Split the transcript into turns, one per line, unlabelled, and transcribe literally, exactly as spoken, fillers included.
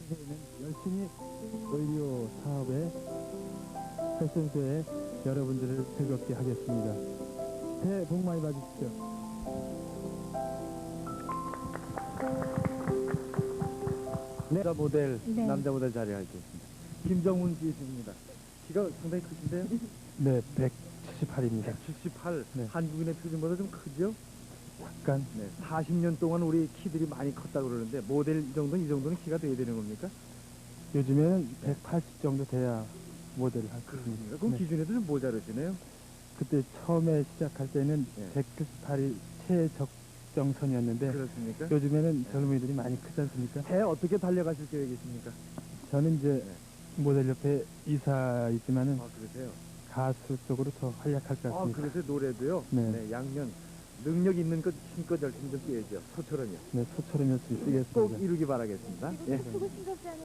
새해에는 열심히 의료 사업에 패션쇼에 여러분들을 즐겁게 하겠습니다. 새해 복 많이 받으십시오. 네. 남자 모델,
네.
남자 모델 자리에 하겠습니다. 김정훈 씨입니다. 키가 상당히 크신데요? 네, 백칠십팔입니다. 백칠십팔. 네. 한국인의 표준보다 좀 크죠? 약간. 네, 사십 년 동안 우리 키들이 많이 컸다고 그러는데 모델 이 정도는 이 정도는 키가 돼야 되는 겁니까? 요즘에는 백팔십 정도 돼야 모델을 할 수 있습니다. 그럼 네. 기준에도 좀 모자르시네요? 그때 처음에 시작할 때는 네. 백칠십팔이 최적정선이었는데 그렇습니까? 요즘에는 네. 젊은이들이 많이 크지 않습니까? 해 어떻게 달려가실 계획이십니까? 저는 이제 네. 모델협회 이사이지만은 아, 그러세요? 가수 쪽으로 더 활약할 것 같습니다. 아, 그래서 노래도요? 네. 네, 양면 능력 있는 것 힘껏 열심히 좀 뛰어야죠. 소처럼요. 네, 소처럼 열심히 뛰겠습니다. 꼭 이루기 바라겠습니다. 예.